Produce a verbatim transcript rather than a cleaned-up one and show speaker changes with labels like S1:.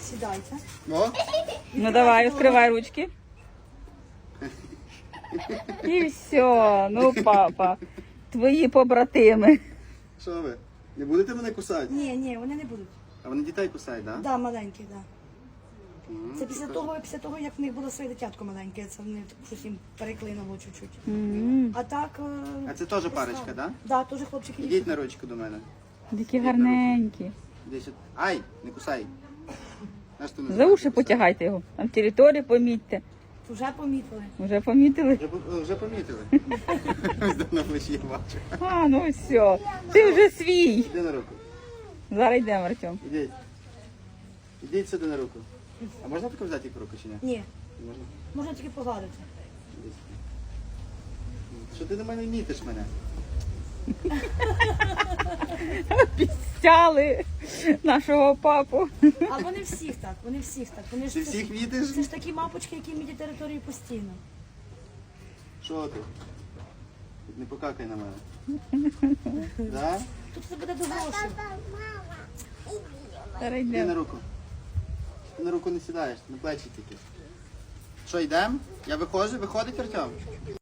S1: Сідайте.
S2: О,
S3: Ну давай, відкривай ручки. І все. Ну, папа, твої побратими.
S2: що ви? Не будете мене кусати?
S1: Ні, ні, вони не будуть.
S2: А вони дітей кусають, так? Да?
S1: Да, маленькі, да.
S2: Мгм.
S1: Це після того, після того, як в них було своє дитятко маленьке, це вони щось їм переклинуло чуть-чуть.
S3: М,
S1: А так. е,
S2: А це теж парочка, так? Да?
S1: Да, теж хлопчики.
S2: Ідіть на ручку до мене.
S3: Такі гарненькі.
S2: Іди сюди. Ай, не кусай. Наш ти не
S3: За уші
S2: кусай.
S3: потягайте його. Там територію помітьте.
S1: Вже помітили.
S3: Вже помітили?
S2: Вже, по- вже помітили. Ось давно плечі я бачу.
S3: А, ну все. Ти вже свій.
S2: Іди на руку.
S3: Зараз йдемо, Артем.
S2: Ідіть. Ідіть сюди на руку. А можна таке взяти їх в руку чи ні?
S1: Ні,
S2: Не можна?
S1: можна тільки погладити.
S2: Іди сюди. Що ти до мене мітиш мене?
S3: Пістяли нашого папу.
S1: А вони всіх так, вони всіх так. Вони ж
S2: Ти
S1: це
S2: всіх
S1: ж-
S2: мітиш?
S1: Це ж такі мапочки, які мітять територію постійно.
S2: Що ти? Не покакай на мене. Да?
S1: Тут це буде до грошей.
S3: Зараз
S2: Іди
S3: йдемо.
S2: на руку. Ти на руку не сідаєш, на плечі тільки. Що, йдемо? Я виходжу? Виходить Артем?